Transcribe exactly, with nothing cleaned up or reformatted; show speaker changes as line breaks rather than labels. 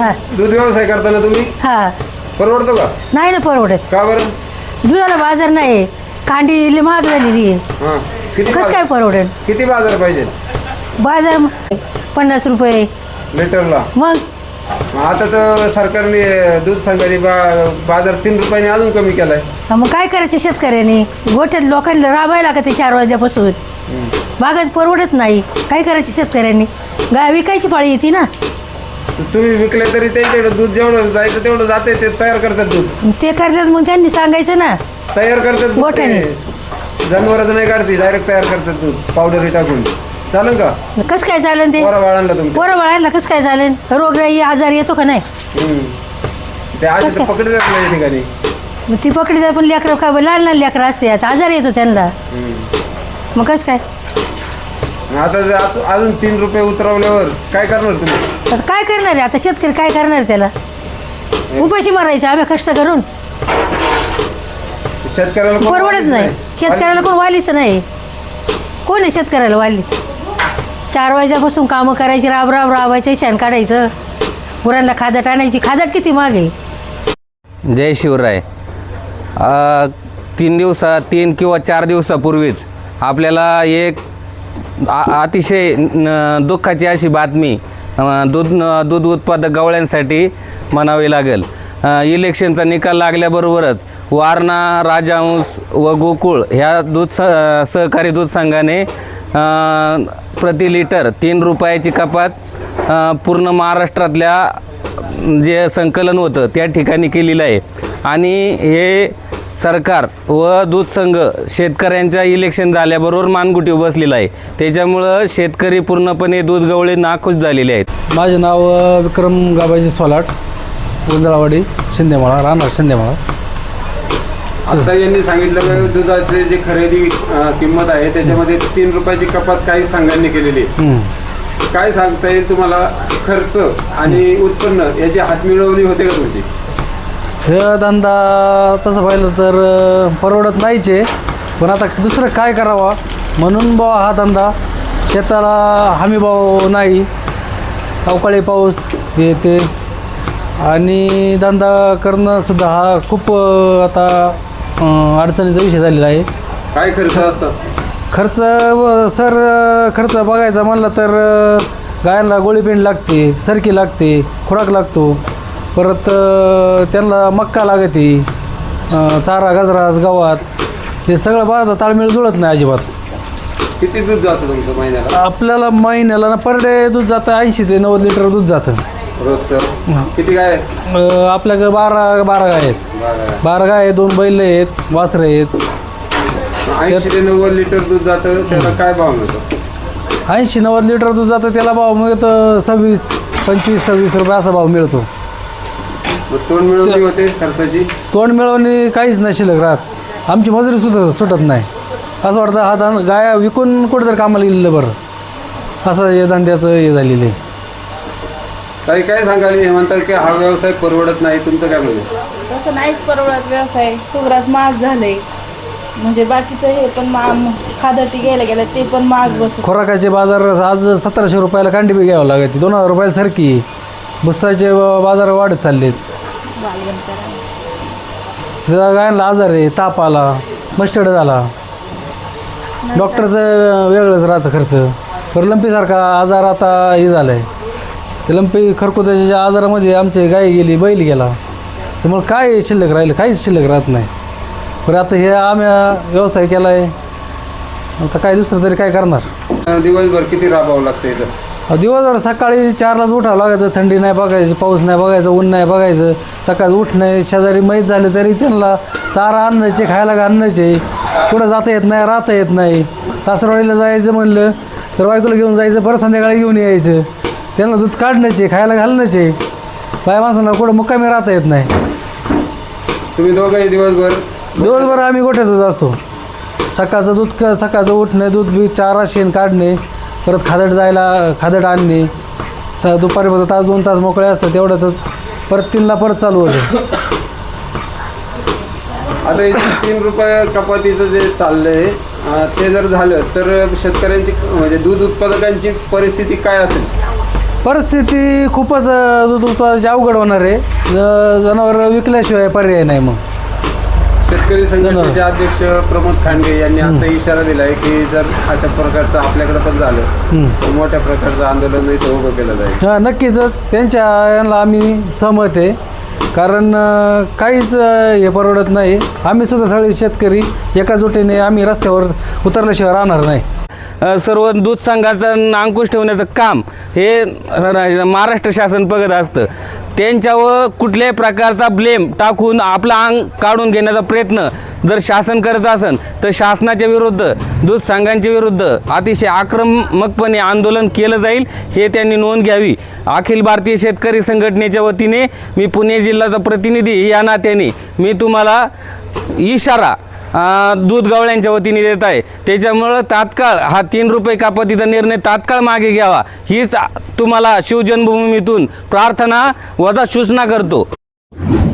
दूध व्यवसाय करताना तुम्ही
हा
परवडतो का?
नाही ना परवडत.
का बरं?
दुधाला बाजार नाही, कांडी महाग झालेली आहे.
हां किती
कसं
बाजार-
काय परवडेल?
किती बाजार पाहिजे
बाजार पन्नास रुपये.
लिटरला?
मग
आता तर सरकारने दूध संघाने बा बाजार तीन रुपयाने अजून कमी केलाय.
मग काय करायचं शेतकऱ्यांनी? गोठ्यात लोकांना राबायला का ते चार वाजल्यापासून बागात परवडत नाही. काय करायचं शेतकऱ्यांनी? गाय विकायची पाळी येते ना.
तुम्ही विकले तरी त्यांच्याकडे दूध जेवढं जायचं तेवढं जाते, ते तयार करतात दूध.
ते करतात मग त्यांनी सांगायचं ना.
तयार करतात दूध
गोठ्याने.
ते. जनावरांचं नाही काढते, डायरेक्ट तयार करतात दूध पावडर टाकून. चालेल का?
कसं काय चालेल ते?
पोरा बाळांना तुमच्या
पोरं बाळांना कसं काय चालेल? रोगराई आजार येतो का नाही?
हम्म. ते आज
कसं काय?
पकडतात नाही या ठिकाणी.
मग ती पकडी जाय पण लेकरं काय लहान लहान लेकरं असते, आता आजार येतो त्यांना. मग कसं काय?
आता जर आत- अजून तीन रुपये उतरवल्यावर काय करणार तुम्ही?
आता काय करणार आहे आता शेतकरी? काय करणार आहे त्याला? उपाशी मारायचं आम्ही कष्ट करून.
शेतकऱ्याला कोण
परवडत
वालीच
नाही. शेतकऱ्याला कोण वालीच नाही. कोण आहे शेतकऱ्याला वाली? चार वाजल्यापासून कामं करायची, राब राब राबायचं, शेण काढायचं, गुरांना खादट आणायची. खादट किती महाग आहे.
जय शिवराय. अ, तीन दिवसा तीन किंवा चार दिवसापूर्वीच आपल्याला एक आ- अतिशय न- दुःखाची अशी बातमी अ, दूध न- दूध उत्पादक गवळ्यांसाठी म्हणावी लागेल. अ, इलेक्शनचा निकाल लागल्याबरोबरच वारणा, राजहंस व गोकुळ ह्या दूध स सहकारी दूध संघाने अ, प्रति लिटर तीन रुपयाची कपात अ, पूर्ण महाराष्ट्रातल्या जे संकलन होतं त्या ठिकाणी केलेलं आहे. आणि हे सरकार व दूध संघ शेतकऱ्यांच्या इलेक्शन झाल्याबरोबर मानगुटी बसलेला आहे. त्याच्यामुळं शेतकरी पूर्णपणे दूध गवळे नाखुश झालेले आहेत.
माझे नाव अ, विक्रम गाबाजी सोलाट, गुंजळावाडी, शिंदेमाळा, राहणार शिंदेमाळा.
आता यांनी सांगितलं की दुधाचे जे खरेदी अं, किंमत आहे त्याच्यामध्ये तीन रुपयाची कपात काही संघांनी केलेली आहे.
हं.
काय सांगता येईल तुम्हाला? खर्च आणि उत्पन्न याची हातमिळवणी होते का तुमची?
हे धंदा तसं पाहिलं तर अ, परवडत नाहीच आहे. पण आता दुसरं काय करावा म्हणून बा हा धंदा. शेताला हमी भाव नाही, अवकाळी पाऊस हे ते, आणि धंदा करणंसुद्धा हा खूप अ, आता अ, अडचणीचा विषय झालेला आहे.
काय खर्च असतात?
खर्च व सर खर्च बघायचा म्हणलं तर अ, गायांना गोळीपेंड लागते, सरकी लागते, खुराक लागतो, परत अ, त्यांना मक्का लागते, अ, चारा गजरास गव्हात, ते सगळं बाळाचा ताळमेळ जुळत नाही अजिबात.
किती दूध जातं तुमचं महिन्याला?
आपल्याला महिन्याला ना पर डे दूध जातं ऐंशी ते नव्वद लिटर दूध जातं.
रोजचं किती काय?
अ, आपल्याकडे बारा बारा गाय आहेत.
बरं.
बारा गाय आहेत, दोन बैल आहेत, वासरं आहेत.
ऐंशी ते नव्वद लिटर दूध जातं, त्याला काय भाव मिळतो?
ऐंशी नव्वद लिटर दूध जातं, त्याला भाव मिळतो सव्वीस पंचवीस सव्वीस रुपये असा भाव मिळतो.
मग तोंड मिळवणी होते खर्चाची?
तोंड मिळवणे काहीच नाही शिल्लक राहत. आमची मजुरी सुद्धा सुटत नाही. असं वाटतं हा धंदा गाया विकून कुठेतरी कामाला गेलेलं बरं, असं हे धंद्याचं हे झालेलं आहे.
काही काय सांगाल? हे म्हणतात की हा व्यवसाय परवडत नाही, तुमचं काय म्हणणं?
तसं नाहीच परवडत व्यवसाय. सुग्रास महाग झाले, म्हणजे बाकीचं हे पण महाग, खादटी गेल्या गेल्या ते पण महाग बसत.
खुराकाचे बाजार आज सतराशे रुपयाला कांडी बी घ्यावं लागते, दोन हजार रुपयाला सरकी. भुसाचे बाजार वाढत चाललेत. गायांना आजार आहे, ताप आला, मस्टर्ड झाला, डॉक्टरचं वेगळंच राहतं खर्च. तर लंपीसारखा आजार आता हे झालं आहे. ते लंपी खरकुत्याच्या आजारामध्ये आमची गाय गेली, बैल गेला, त्यामुळे काय शिल्लक राहिलं? काहीच शिल्लक राहत नाही. पण आता हे आम्ही व्यवसाय केला आहे, आता काय दुसरं तरी काय करणार?
दिवसभर किती राबावं लागतं इथं?
दिवसभर सकाळी चारलाच उठावं लागायचं. थंडी नाही बघायची, पाऊस नाही बघायचं, ऊन नाही बघायचं. सकाळी उठणं, शेजारी मैत झाले तरी त्यांना चारा आणायचे, खायला घालण्याचे. कुठं जाता येत नाही, राहता येत नाही. सासरवाडीला जायचं म्हणलं तर बायकोला घेऊन जायचं, परत संध्याकाळी घेऊन यायचं. त्यांना दूध काढण्याचे, खायला घालण्याचे. बाय माणसांना कुठं मुक्कामी राहता येत नाही.
तुम्ही दोघंही दिवसभर?
दिवसभर आम्ही गोठ्यातच असतो. सकाळचं दूध क सकाळचं उठणे, दूध बी चारा शेण काढणे, परत खादट जायला खादट आणणे. स दुपारी फक्त तास दोन तास मोकळे असतात, तेवढ्यातच परत तीनला परत चालू होतं.
आता हे तीन रुपये कपातीचं जे चाललंय ते जर झालं तर शेतकऱ्यांची म्हणजे दूध उत्पादकांची परिस्थिती काय असेल?
परिस्थिती खूपच अ, दूध उत्पादनाची अवघड होणार आहे. जनावर विकल्याशिवाय पर्याय नाही मग.
शेतकरी संघटनेचे अध्यक्ष प्रमोद खांडगे यांनी आता इशारा दिला आहे की जर अशा प्रकारचं आपल्याकडे पण झालं तर मोठ्या प्रकारचं आंदोलन इथं उभं केलं जाईल.
हां नक्कीच त्यांच्या यांना आम्ही सहमत आहे. कारण अ, काहीच अ, हे परवडत नाही. आम्ही सुद्धा सगळे शेतकरी एकजुटीने आम्ही रस्त्यावर उतरल्याशिवाय राहणार नाही.
अ, सर्व दूध संघाचं अंकुश ठेवण्याचं काम हे र- महाराष्ट्र शासन बघत असतं. त्यांच्यावर कुठल्याही प्रकारचा ब्लेम टाकून आपला अंग काढून घेण्याचा प्रयत्न जर शासन करत असेल तर शासनाच्या विरुद्ध दूध संघांच्या विरुद्ध अतिशय आक्रमकपणे आंदोलन केलं जाईल हे त्यांनी नोंद घ्यावी. अखिल भारतीय शेतकरी संघटनेच्या वतीने मी पुणे जिल्ह्याचा प्रतिनिधी या नात्याने मी तुम्हाला इशारा अ, दूध गवळ्यांच्या वतीने देत आहे. त्याच्यामुळं तात्काळ हा तीन रुपये कपातीचा निर्णय तात्काळ मागे घ्यावा हीच तुम्हाला शिवजन्मभूमीतून प्रार्थना वजा सूचना करतो.